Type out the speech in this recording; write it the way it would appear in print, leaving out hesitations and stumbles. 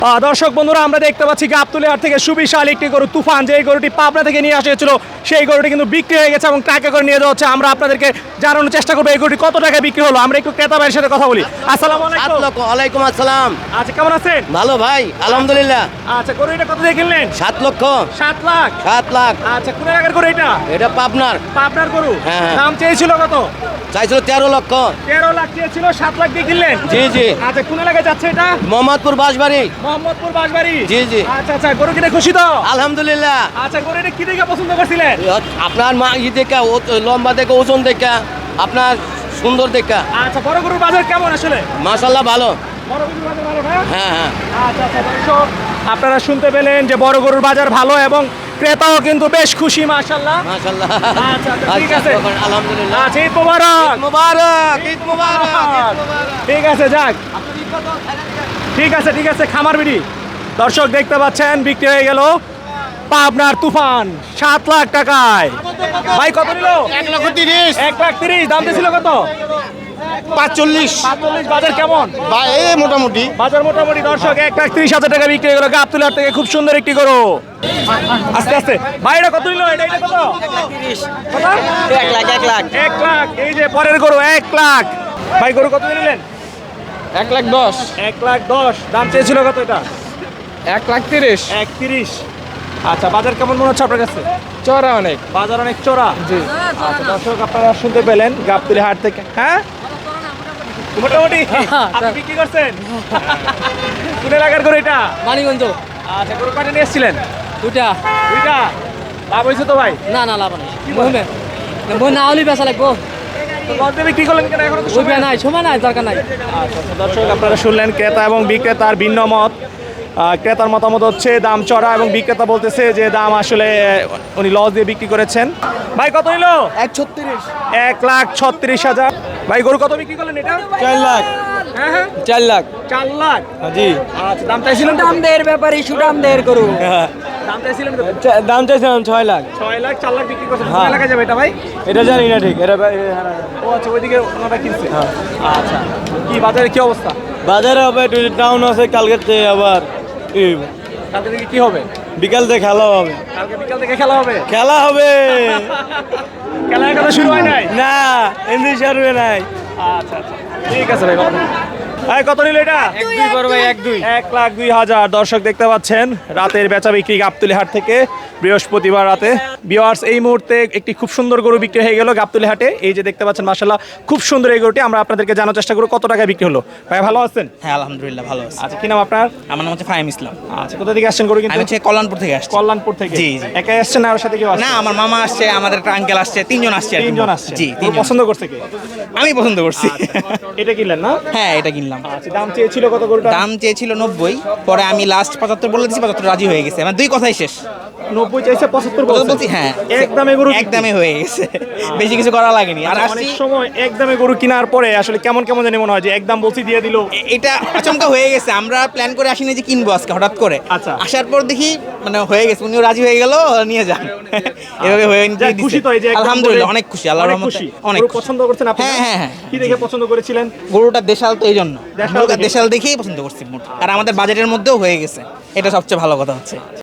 দর্শক বন্ধুরা, আমরা দেখতে পাচ্ছি গাবতলী হাট থেকে সুবিশাল একটি গরু তুফান, যে গরুটি পাবনা থেকে নিয়ে আসা হয়েছিল, সেই গরুটি কিন্তু বিক্রি হয়ে গেছে এবং ট্রাকে করে নিয়ে যাওয়া হচ্ছে। আমরা আপনাদেরকে জানানোর চেষ্টা করবো এই গরুটি কত টাকায় বিক্রি হলো। আমরা একটু ক্রেতা ভাইয়ের সাথে কথা বলি। আসসালামু আলাইকুম। ওয়ালাইকুম আসসালাম। আচ্ছা, কেমন আছেন? ভালো ভাই, আলহামদুলিল্লাহ। আচ্ছা, গরু এটা কত দিয়ে কিনলেন? 7 লক্ষ। 7 লাখ। 7 লাখ। আচ্ছা, কোন এলাকার গরু এটা? এটা পাবনার। পাবনার গরু। হ্যাঁ। দাম চেয়েছিল কত? চাইছিল 13 লক্ষ। 13 লাখ চেয়েছিল, 7 লাখ দিয়ে কিনলেন? জি জি। আচ্ছা, কোন এলাকায় যাচ্ছে এটা? মোহাম্মদপুর বাঁশবাড়ি। মোহাম্মদপুর বাঁশবাড়ি। জি জি। আচ্ছা আচ্ছা, গরু কিনে খুশি তো? আলহামদুলিল্লাহ। আচ্ছা, গরু এটা কি দেখে পছন্দ করছিলেন? আপনার মা দেখে লম্বা দেখে, ওজন দেখে, আপনার সুন্দর দেখে। আচ্ছা, বড় গরুর বাজার কেমন আসলে? মাশাআল্লাহ ভালো। বড় গরুর বাজার ভালো না? হ্যাঁ হ্যাঁ। আচ্ছা আচ্ছা, দর্শক আপনারা শুনতে পেলেন যে বড় গরুর বাজার ভালো এবং ক্রেতাও কিন্তু বেশ খুশি, মাশাআল্লাহ। মাশাআল্লাহ। আচ্ছা আচ্ছা, ঠিক আছে। আলহামদুলিল্লাহ। আচ্ছা, ঈদ মোবারক। মুবারক, ঈদ মুবারক। ঠিক আছে, যাক, ঠিক আছে ঠিক আছে। খামার বিড়ি দর্শক দেখতে পাচ্ছেন বিক্রি হয়ে গেল পাবনার তুফান 7 লাখ টাকায়। ভাই কত নিল? 1,30,000। 1,30,000। দাম ছিল কত? 45। 45। বাজার কেমন? ভাই এই মোটামুটি। বাজার মোটামুটি। দর্শক 1,30,000 টাকা বিক্রি হয়ে গেল গাবতলী হাট থেকে। খুব সুন্দর একটি গরু। আস্তে আস্তে ভাই, এটা কত নিল? এটা কত? 1 লাখ। 1 লাখ। এই যে পরের গরু 1 লাখ। ভাই গরু কত নিলেন? 1,10,000। 1,10,000। দাম চেয়েছিল কত এটা? 1,30,000। 1,30,000। আচ্ছা, বাজার কেমন মনে হচ্ছে আপনার কাছে? চড়া অনেক। বাজার অনেক চড়া। জি। আচ্ছা দর্শক, আপনারা শুনতে পেলেন গাবতলী হাট থেকে। হ্যাঁ, মোটামুটি। আপনি বিক্রি করছেন? কোন এলাকার গরু এটা? মানিগঞ্জ। আচ্ছা, গরু কাটে নিয়ে এসেছিলেন? দুইটা। দুইটা। লাভ হয়েছে তো ভাই? না না, লাভ নেই। বলবে বই না হলেই বেচা লাগবো। তো লস দিয়ে বিক্রি করলেন কেন? এখনো তো সময় নাই, সময় নাই, দরকার নাই। আচ্ছা আচ্ছা, দর্শক আপনারা শুনলেন ক্রেতা এবং বিক্রেতার ভিন্ন মত। ক্রেতার মতামত হচ্ছে দাম চড়া এবং বিক্রেতা বলতেছে যে দাম আসলে উনি লস দিয়ে বিক্রি করেছেন। ভাই কত নিল? 1,36,000। 1,36,000। ভাই গরু কত বিক্রি করলেন এটা? 4 লাখ। হ্যাঁ হ্যাঁ, 4 লাখ। 4 লাখ। জি। আচ্ছা, দাম চাইছিলেন? দাম দেয়ের ব্যাপারে সুদাম দেয়ের করু। দাম চাইছিলেন কত? দাম চাইছিলাম 6 লাখ। 6 লাখ। 4 লাখ বিক্রি করছেন। কোন হ্যাঁ। এলাকায় যাবে এটা ভাই? এটা জানি না ঠিক। এটা ও আচ্ছা, ওইদিকে ওনারা কিনছে। আচ্ছা, কি বাজারে কি অবস্থা? বাজারে হবে একটু ডাউন আছে। কালকে আবার কালকে থেকে কি হবে? বিকাল থেকে খেলা হবে। কালকে বিকাল থেকে খেলা হবে? খেলা হবে। খেলা এখনো শুরু হয় নাই? না, এমনি সারবে নাই। আচ্ছা আচ্ছা, ঠিক আছে ভাই। ভাই কত নিল এটা? 1,2 বড় ভাই, 1,2। 1,02,000। দর্শক দেখতে পাচ্ছেন রাতের বেচা বিক্রি গাবতলী হাট থেকে বৃহস্পতিবার রাতে। ভিউয়ার্স, এই মুহূর্তে একটি খুব সুন্দর গরু বিক্রি হয়ে গেল গাবতলী হাটে। এই যে দেখতে পাচ্ছেন, মাশাআল্লাহ খুব সুন্দর এই গরুটি। আমরা আপনাদেরকে জানার চেষ্টা করব কত টাকায় বিক্রি হলো। ভাই ভালো আছেন? হ্যাঁ আলহামদুলিল্লাহ ভালো আছে। আচ্ছা, কি নাম আপনার? আমার নাম হচ্ছে ফাহিম ইসলাম। আচ্ছা, কোথা থেকে আসছেন গরু আমি কিনতে? হচ্ছে কল্যাণপুর থেকে আসছি। কল্যাণপুর থেকে? জি, জি। একাই আসছেন না আর সাথে কেউ আসছে? না, আমার মামা আসছে, আমাদের একটা আঙ্কেল আসছে, 3 জন আসছে আর কি। 3 জন আসছে। জি, গরু 3 জন। পছন্দ করছে কে? আমি পছন্দ করছি। এটা কিনলেন না? হ্যাঁ, এটা কিনলাম। আচ্ছা, দাম চেয়েছিল কত গরুটা? দাম চেয়েছিল 90, পরে আমি লাস্ট 75 বলে দিয়েছি, 75 রাজি হয়ে গেছে। আমার দুই কথাই শেষ। 90 চাইছে, 75 বলছি হ্যাঁ, একদমে গরু একদমে হয়ে গেছে। বেশি কিছু করা লাগেনি। আর অনেক সময় একদমে গরু কেনার পরে আসলে কেমন কেমন জানি মনে হয় যে একদম বলছি দিয়ে দিল। এটা আচমকা হয়ে গেছে। আমরা প্ল্যান করে আসিনি যে কিনবো আজকে হঠাৎ করে। আচ্ছা। আসার পর দেখি মানে হয়ে গেছে, উনিও রাজি হয়ে গেল, নিয়ে যান। এভাবে হয়ে যাক, খুশি তো এই যে একদম আলহামদুলিল্লাহ, বলে- অনেক খুশি, আল্লাহর অনেক রহমতে খুশি। অনেক গরু খুশি। পছন্দ করছেন আপনি? হ্যাঁ, হ্যাঁ, হ্যাঁ। কি দেখে পছন্দ করেছিলেন? গরুটা দেশাল তো এই জন্য। দেশাল গরুটা দেখে? দেশাল দেখেই পছন্দ করছি মোট। আর আমাদের বাজেটের মধ্যেও হয়ে গেছে, এটা সবচেয়ে ভালো কথা হচ্ছে।